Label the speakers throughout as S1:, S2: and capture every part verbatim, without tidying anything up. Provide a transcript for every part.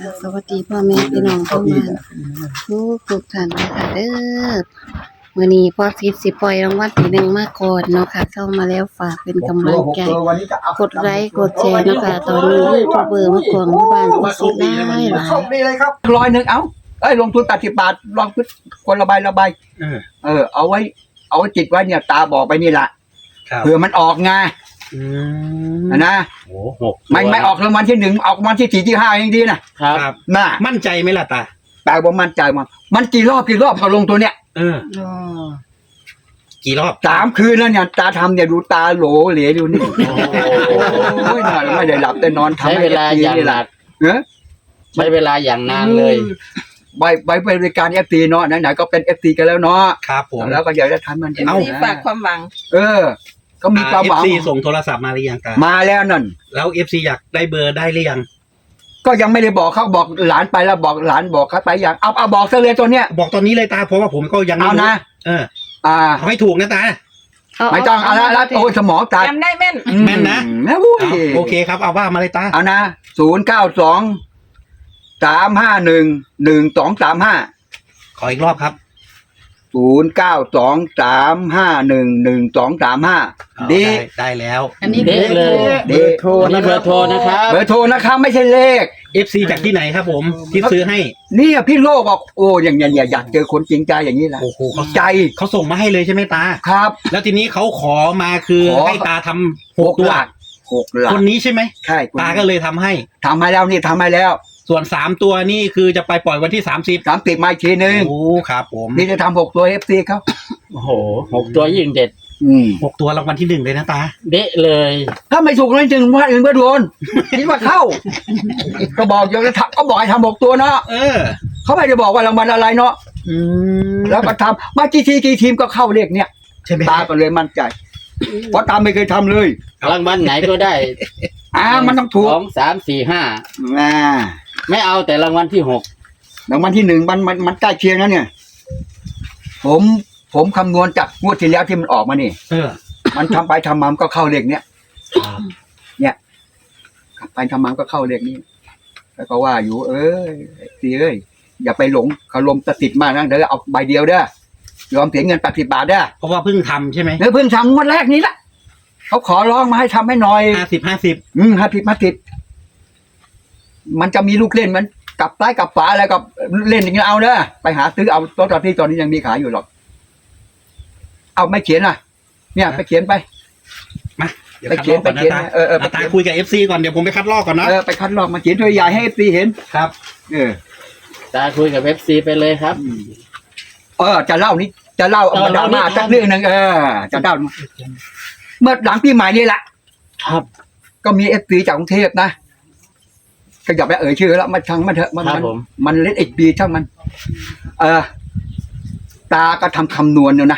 S1: ค่ะสวัสดีพ่อแม่พี่น้องทุกท่านทุกทุกท่านนะคะเด้อมื้อนี้พ่อฟิตสิปล่อยรางวัลที่หนึ่งมาก่อนเนาะค่ะเข้ามาแล้วฝากเป็นกำลังใจกดไลค์กดแชร์เนาะค่ะตอนนี้ยูทูบเบอร์มากวางบ้านก็สิได้หลาย
S2: โชคดีเลยครับร้อยหนึ่งเอ้าเอ้ยลงทุนแปดสิบบาทลองคิดคนละใบละใบเออเออเอาไว้ เอาไว้จิตไว้เนี่ยตาบอกไปนี่แหละเผื่อมันออกไงนะโอ้หกไม่ไม่ออกรางวัลที่หนึ่งออกรางวัลที่สี่ที่ห้ายังดีนะครับน่า
S3: มั่นใจไหมล่ะตา
S2: แต่ว่ามั่นใจมันมันกี่รอบกี่รอบพอลงตัวเนี้ย
S3: เออกี่รอบ
S2: สามคืนแล้วเนี่ยตาทำเนี่ยดูตาโหลเหลวดูนี่โอ้ยน่าไม่ได้หลับได้นอนทำ
S4: ใช้เวลาอย่างหนัก
S2: เนอะ
S4: ใช้เวลาอย่างนานเลย
S2: ใบใบบริการเอฟซีเนาะไหนๆก็เป็นเอฟซีกันแล้วเนาะ
S3: ครับผม
S2: แล้วก็อยากจะทำมัน
S1: เอาฝากความหวัง
S2: เออก็มีความหวัง
S3: เอฟซีส่งโทรศัพท์มาหรือยังตา
S2: มาแล้วนั่น
S3: แล้วเอฟซีอยากได้เบอร์ได้หรือยัง
S2: ก็ยังไม่ได้บอกเขาบอกหลานไปแล้วบอกหลานบอกเขาไปอย่างเอาเอาบอกซะเลยตัวเนี้ย
S3: บอกตอนนี้เลยตาเพราะว่าผมก็ยังไม่
S2: รู้นะ
S3: เออ
S2: อ่า
S3: ให้ถูกนะตา
S2: ไม่ต้องเอาละแล้วโอ้สมองตา
S1: จำได้แม่น
S3: แม่นนะโอเคครับเอาว่ามาเลยตา
S2: เอานะศูนย์เก้าสองสามห้าหนึ่งหนึ่งสองสามห้า
S3: ขออีกรอบครับ
S2: ศูนย์เก้าสองสามห้าหนึ่งหนึ่งสองสามห้าดี
S3: ได้แล้ว
S4: อันนี้เด็กเลยเบอร์โทรนี่เบอร์โทรนะครับ
S2: เบอร์โทรนะครับไม่ใช่เลข
S3: เอฟ ซี จากที่ไหนครับผมที่ซื้อให้
S2: นี่พี่โลกบอกโอ้อย่างเงี้ยอยากเจอคนจริงใจอย่างนี้แหละ
S3: โอ้โหเขาใจเขาส่งมาให้เลยใช่ไหมตา
S2: ครับ
S3: แล้วทีนี้เขาขอมาคือให้ตาทำหกตัว
S2: หกหลัก
S3: คนนี้ใช่ไหม
S2: ใช่
S3: ตาก็เลยทำให้
S2: ทำให้แล้วนี่ทำให้แล้ว
S3: ส่วนสามตัวนี่คือจะไปปล่อยวันที่สามสิบ
S2: สามสิบมาอีกทีนึง
S3: โอ้ครับผม
S2: นี่จะทำหกตัวเอฟซีเขา
S4: โอ้โหหกตัวยิ่งเด็ด
S2: อืม
S3: หกตัวรางวัลที่หนึ่งเลยนะตา
S4: เด็ดเลย
S2: ถ้าไม่ถูกเลยจึงว่าอื่นก็โดนคิดว่าเข้าก็บอกอย่างจะทำก็บอกให้ทำหกตัวเนาะ
S3: เออ
S2: เขาไม่ได้บอกว่ารางวัลอะไรเนาะอืมแล้วก็ทำมากี่ทีกี่ทีมก็เข้าเลขเนี้ย
S3: ใช่ไหม
S2: ตาก็เลยมั่นใจเพราะตาไม่เคยทำเลย
S4: รางวัลไหนก็ได้
S2: อ่ามันต้องถูก
S4: สองสามสี่ห้า
S2: อ่า
S4: ไม่เอาแต่รางวัลที่หก
S2: รางวัลที่หนึ่งมันมันมันใกล้เคียงนะเนี่ยผมผมคำนวณจากงวดที่แล้วที่มันออกมานี่
S3: เออ
S2: มันทำไปทำมามันก็เข้าเลขเนี้ยเนี่ยไปทำมาก็เข้าเลขนี้แล้วก็ว่าอยู่เอ้ยตีเอ้ยอย่าไปหลงคารมสติดมากนะเดี๋ยวเอาใบเดียวเด้อยอมเสียเงินแปดสิบบาทเด้อ
S3: เพราะว่าเพิ่งทำใช่ไหม
S2: เออเพิ่งทำงวดแรกนี้ละเขาขอร้องมาให้ทำให้หน่อย
S3: ห้าสิบห้าสิบ
S2: อืมห้าสิบห้าสิบมันจะมีลูกเล่นมันกลับซ้ายกลับขวาอะไรกับเล่นอย่างนี้เอาเด้อไปหาซื้อเอาตัวตอนที่ตอนนี้ยังมีขายอยู่หรอกเอาไม่เขียนอ่ะเนี่ยไปเขียนไป
S3: มา
S2: ไปเขียนไปเขียนเออเออ
S3: ตาคุยกับเอฟซีก่อนเดี๋ยวผมไปคัดลอกก่อนนะ
S2: เออไปคัดลอกมาเขียนตัวใหญ่ให้เอฟซีเห็น
S3: ครับ
S2: เออ
S4: ตาคุยกับเอฟซีไปเลยครับ
S2: เออจะเล่านี้จะเล่าเอาดราม่าสักเรื่องนึงเออจะเล่าเมื่อหลังปีใหม่นี่แหละ
S4: ครับ
S2: ก็มีเอฟซีจากกรุงเทพนะก็อย่าไปเอ่ยชื่อแล้วมันช่างมันเถอะมันมันเล่นเอ็กบีช่างมันเออตาก็ทำคำนวณอยู่นะ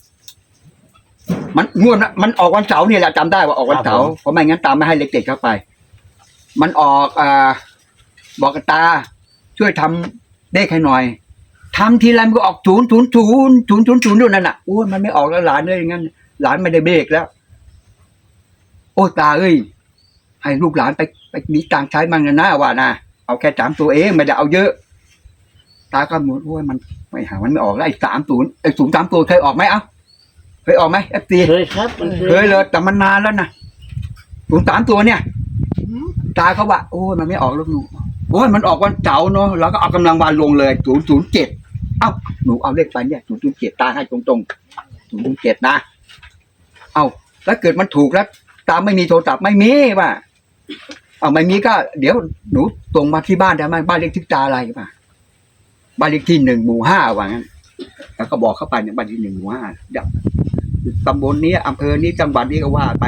S2: มันงวดมันออกวันเสาร์นี่แหละจำได้ว่าออกวันเสาร์เพราะไม่งั้นตาไม่ให้เล็กเด็กเข้าไปมันออกอ่าบอกกับตาช่วยทำเลขให้หน่อยทำทีไรมันก็ออกศูนย์ศูนย์ศูนย์ศูนย์ศูนย์ศูนย์ด้วยนั่นน่ะโอ้ยมันไม่ออกแล้วหลานเลยอย่างงั้นหลานไม่ได้เบรกแล้วโอ้ตาเอ้ยให้ลูกหลานไปไปมีตังใช้มั่งนะนะว่านะเอาแค่สามตัวเองไม่ได้เอาเยอะตาก็หมดโอ้ยมันไม่หามันไม่ออกแล้วไอ้สามศูนย์ไอ้ศูนย์สามตัวเคยออกไหมเอ้าเคยออกไหมเอฟซี
S4: เคยครับ
S2: เคยเลยแต่มันนานแล้วนะศูนย์สามตัวเนี่ยตาเขาว่าโอ้ยมันไม่ออกแล้วหนูโอ้ยมันออกวันเสาร์เนาะเราก็เอากำลังวันลงเลยศูนย์ศูนย์เจ็ดเอ้าหนูเอาเลขไปเนี่ยศูนย์ศูนย์เจ็ดตาให้ตรงตรงศูนย์ศูนย์เจ็ดนะเอ้าแล้วเกิดมันถูกแล้วตาไม่มีโทรศัพท์ไม่มีป่ะเอาไม่มีก็เดี๋ยวหนูตรงมาที่บ้านได้ไหมบ้านเลขที่ตาอะไรป่ะบ้านเลขที่หนึ่งหมู่ห้าว่างั้นแล้วก็บอกเข้าไปเนี่ยบ้านที่หนึ่งหมู่ห้าตำบลนี้อำเภอนี้จังหวัดนี้ก็ว่าไป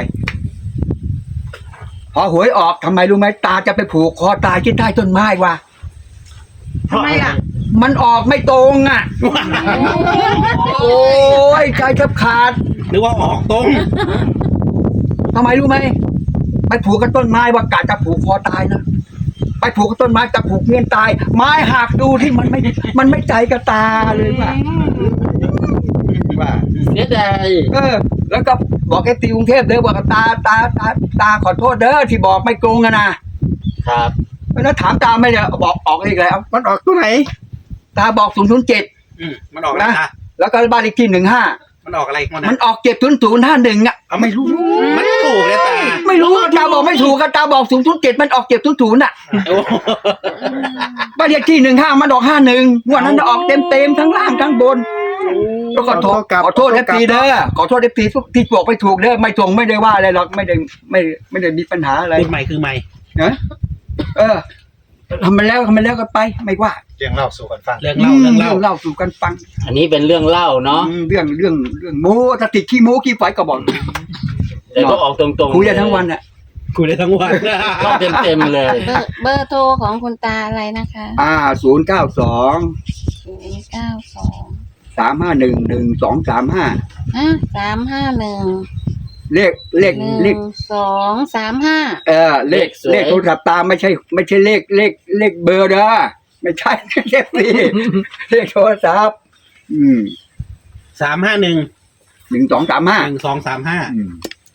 S2: พอหวยออกทำไมรู้ไหมตาจะไปผูกคอตายที่ใต้ต้นไม้วะ
S1: ทำไมอ่ะ
S2: มันออกไม่ตรงอ่ะโอ้ยใจแทบขาด
S3: หรือว่าออกตรง
S2: ทำไมรู้ไหมไปผูกกับต้นไม้ว่ากะจะผูกคอตายนะไปผูกกับต้นไม้จะผูกเงี้ยตายไม้หักดูที่มันไม่มันไม่ใจกับตาเลยว่ะว่า
S4: เสียดาย
S2: เออแล้วก็บอกไอ้ตีกรุงเทพเด้อบอกตาตาตาตาขอโทษเด้อที่บอกไม่โกงอะนะครับแล้วถามตาไม่ได้บอกออกเลขอะไรเอา
S3: มันออกตัวไหน
S2: ตาบอกศูนย์ศูนย์เจ็ด
S3: อืมมันออกอะไรตา
S2: แล้วก็บ้านเลขที่หนึ่งห้า
S3: มันออกอะไรมัน
S2: มัน
S3: นะ
S2: ออกเจ็ดศูนย์ศูนย์ห้าหนึ่งอ่ะ
S3: เอาไม่รู้มันถูกเลยตา
S2: ไม่รู้ตาบอกไม่ถูกกันตาบอกศูนย์ศูนย์เจ็ดมันออกเจ็ดศูนย์ศูนย์อ่ะ
S3: โอ้
S2: บ้านเลขที่หนึ่งห้ามันออกห้าหนึ่งงวดนั้นออกเต็มเต็มทั้งล่างทั้งบนก็ขอโทษขอโทษเอฟซีเด้อขอโทษเอฟซีที่บอกไม่ถูกเด้อไม่ตรงไม่ได้ว่าอะไรหรอกไม่ได้ไม่ไม่ได้มีปัญหาอะไร
S3: พูดใหม่คือใหม่
S2: นะเออทำมาแล้วทำมาแล้วก็ไปไม่ว่า
S5: เรื่องเล่าสู่กันฟัง
S3: เรื่องเล่าเรื่องเล่า
S2: เล่าสู่กันฟัง
S4: อันนี้เป็นเรื่องเล่าเนาะ
S2: อืมเรื่องเรื่องเรื่องโม้ถ้าติดขี้โม้ขี้ไฟก็บอก
S4: แต่ก็ออกตรงๆ
S2: คุยกันทั้งวันอ่ะ
S3: คุยได้ทั้งวัน
S4: ก็เต็มเต็มๆเลย
S1: เบอร์เบอร์โทรของคุณตาอะไรนะคะ
S2: อ่าศูนย์เก้าสอง
S1: ศูนย์เก้าสอง
S2: สามห้าหนึ่งหนึ่งสองสามห้า
S1: อ่ะสามห้าหนึ่ง
S2: เลขเลข
S1: หนึ่
S2: เลข
S1: งสองสามห้า
S2: เออเลขเลขโทรศัพท์ตามไม่ใช่ ไม่ใช่เลขเลขเลขเบอร์เด้อไม่ใช่ เลขนี่เลขโทรศัพท์อืม
S3: สามห้าหนึ่ง
S2: หนึ่งสองสามห้า
S3: หนึ่งสองสามห้า
S2: อืม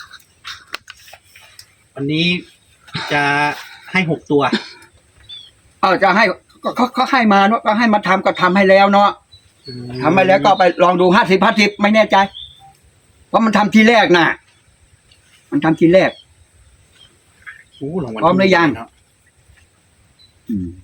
S3: วันนี้จะให้หกตัว
S2: เอาจะให้ก็เขาเขาให้มาเนาะก็ให้มาทำก็ทำให้แล้วเนาะทำไปแล้วก็ไปลองดูห้าสิบห้าสิบไม่แน่ใจเพราะมันทำทีแรกน่ะ มันทำทีแรก
S3: โอ้รางวัล
S2: พร้อมหรือยัง อืม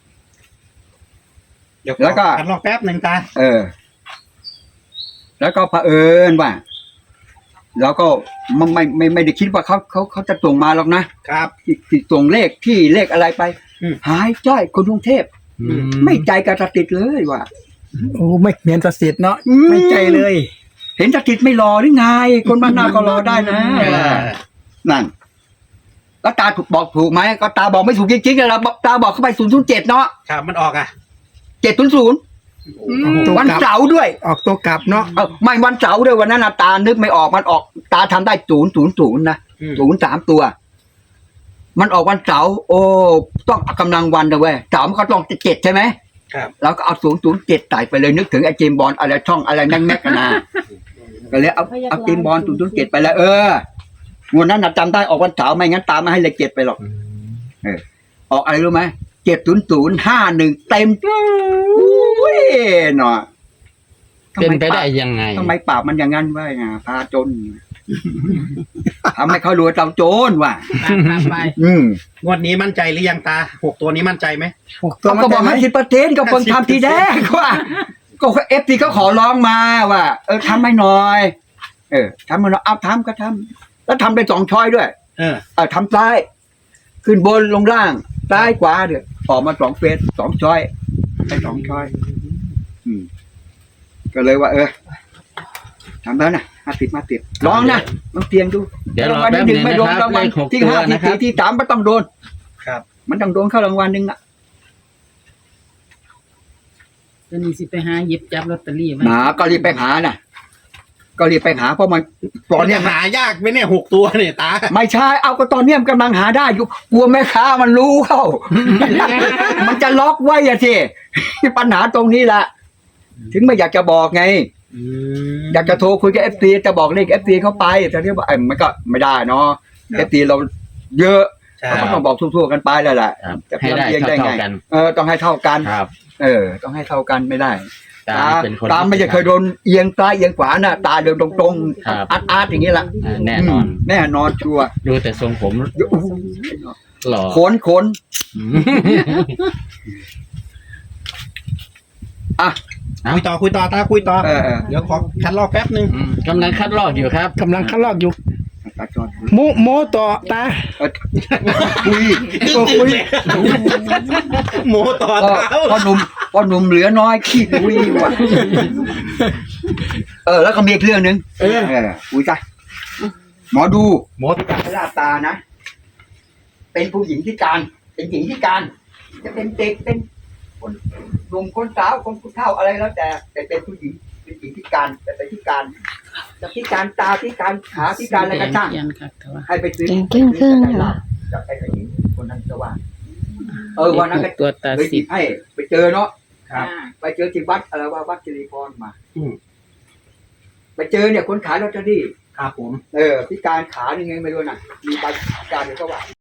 S3: เดี๋ยว
S2: แล้วก็
S3: รอแป๊บหนึ่งตา
S2: เออ แล้วก็เผอิญว่าเราก็ไม่ไม่ไม่ไม่ได้คิดว่าเขาเขาเขาจะส่งมาหรอกนะครับ ที่ที่ส่งเลขที่เลขอะไรไป
S3: อืม
S2: หายจ้อยคนกรุงเทพไม่ใจกระติดเลยว่ะ
S5: โอ้ไม่เมียนประสิทธิ์เนาะ
S2: อืม
S5: ไม่ใจเลย
S2: เห็นกระติดไม่รอหรือไง คนบ้านนาก็รอได้นะ
S3: เออ
S2: นั่นแล้วตาถูกบอกถูกไหมก็ตาบอกไม่ถูกจริงๆแล้วตาบอกเข้าไปศูนย์ศูนย์เจ็ดเนาะ
S3: ครับมันออกอ่ะ
S2: เจ็ดศูนย์ศูนย์
S5: ตัว
S2: วัน
S5: กลับ
S2: เสาร์ด้วย
S5: ออกตัวกลับเนาะ
S2: เออไม่วันเสาร์ด้วยวันนั้นน่ะตานึกไม่ออกมันออก ตาทำได้ศูนย์ศูนย์ศูนย์นะ
S3: อืม
S2: ศูนย์สามตัว มันออกวันเสาร์โอ้ต้องเอากำลังวันนะเว้ยเสาร์มันก็ต้องเจ็ดใช่ไหม
S3: ครับ
S2: เราก็เอาศูนย์ศูนย์เจ็ดใส่ไปเลยนึกถึงไอ้เจมส์บอลอะไรช่องอะไรแม่งแม่กนะก็เลยเอาเอาเจมส์บอลศูนย์ศูนย์เจ็ดไปแล้วเอองวดนั้นน่ะจำได้ออกวันเสาร์ไม่งั้นตามมาให้เลขเจ็ดไปหรอกเออออกอะไรรู้ไหมเจ็ดศูนย์ศูนย์ห้าหนึ่งเต็มอุ้ยหน่อย
S4: เป็นไปได้ยังไง
S2: ทำไมปากมันอย่างนั้นวะไงพาจนทำให้เขารวยเจ้าโจรว่ะ
S3: ไป
S2: อืม
S3: งวดนี้มั่นใจหรือยังตาหกตัวนี้มั่นใจไหม
S5: หกตัว
S2: เขาก็บอก
S5: มัน
S2: ให้
S5: ใจ
S2: สิบเปอร์เซ็นต์ก็เพิ่งทำทีแรกว่าก็เอฟซีเขาขอร้องมาว่าเออทำให้หน่อย เออทำให้หน่อยเอาทำก็ทำแล้วทำไปสองช้อยด้วย
S3: เออ
S2: เออทำซ้าย ขึ้นบนลงล่างซ้ายขวาเดี๋ยวออกมาสองเฟสสองช้อยไปสองช้อย อืม ก็เลยว่า เออทำแล้วนะห้าสิบมาติดลองนะลองเตียงดู
S4: เดี๋ยวรอ
S2: รางวัล
S4: แป๊บ
S2: ที่ห
S4: ห
S2: นึ่
S4: นึ่
S2: ง
S4: ง
S2: ไม่
S4: นะ
S2: โดน
S4: ครับ
S2: รางวั
S4: เล
S2: ล
S4: ขหก
S2: ที่
S4: ตัว
S2: ห้าที่
S4: นะครับ
S2: สี่ที่สามไม่ต้องโดน
S3: ครับ
S2: มันต้องโดนเข้ารางวัลหนึ่งอ่ะ
S6: ตอนนี้สิไปหาหยิบจับลอตเตอรี่ไว้
S2: หนาก็รีบไปหาน่ะ ก็รีบไปหาเพราะมันตอน
S3: มัน
S2: เนี้
S3: จะ
S2: ย
S3: หายากไหมเนี่ยหกตัวเนี่ยตา
S2: ไม่ใช่เอาก็ตอนเนี้ยมันกำลังหาได้อยู่กลัวแม่ค้ามันรู้เข้า มันจะล็อกไว้อะสิปัญหาตรงนี้แหละถึงไม่อยากจะบอกไง
S3: อืม
S2: อยากจะโทรคุยกับเอฟซีจะบอกเลขเอฟซีเข้าไปแต่ที่ว่าเอ้ยมันก็ไม่ได้เนาะเอฟซีเราเยอะ
S3: ใช่
S2: เราก็ต้องบอกทั่วๆกันไปแล้วแหละ
S4: ครับ
S2: จะ
S4: ให้ได้
S2: เพียงได้ไง
S4: เท่าๆกัน
S2: เออต้องให้เท่ากัน
S4: ครับ
S2: เออ ต้องให้เท่ากันไม่ได้
S4: ตา
S2: ตา
S4: เป็นคน
S2: ตาไม่จะเคยโดนเอียงซ้ายเอียงขวาน่ะตาเดินตรง
S4: ครับ
S2: ๆอาร์ตอาร์ตอย่างนี้แหละ
S4: อ่าแน่นอน
S2: มแน่นอนชัวร์
S4: ดูแต่ทรงผม
S2: โอ้โห
S4: หล่อ
S2: ขนขน
S4: อืม
S2: อ่ะ
S3: คุยต่อคุยต่อตาคุยต่อ
S2: เออเออ
S3: เดี๋ยวขอคัดลอกแป๊บหนึ่ง
S4: อืมกำลังคัดลอกอยู่ครับ
S5: กำลังคัดลอกอยู่
S2: ตาจอด
S5: โมโมต่อตา
S2: เออคุย
S5: ก็คุย
S3: โมต่อ
S2: พ่อ
S3: เท้า
S2: พ่อหนุ่มพ่อหนุ่มเหลือน้อยขี้คุยว่ะเออ แล้วก็มีอีกเรื่องหนึ่ง
S3: เออ
S2: เออคุยจ้ะหมอดู
S3: โม
S2: จากพระราตานะ เป็นผู้หญิงที่การ เป็นหญิงที่การ จะเป็นเด็กเป็นคนหนุ่มคนสาวคนผู้เฒ่าอะไรแล้วแต่แต่เป็นผู้หญิงเป็นหญิงที่การแต่เป็นที่การจะพิการตาพิการขาพิการอะไรก็ช่าง
S6: เขียนครับแต่ว่า
S2: ให้ไปซื้อ
S1: เก่งครึ่งครึ่งเหรอ
S2: จากไอ้ผู้หญิงคนนั้นจะว่า เออวันนั้นก็
S6: ตัวตา
S2: เลย
S6: สิ
S2: จิ
S6: บ
S2: ให้ไปเจอเนาะ
S3: ครับ
S2: ไปเจอที่วัดอะไรว่าวัดสิริพรมา
S3: อืม
S2: ไปเจอเนี่ยคนขายลอตเตอรี่
S3: ครับผม
S2: เออพิการขายังไงไม่รู้น่ะ มีใบพิการเดี๋ยวก็ว่า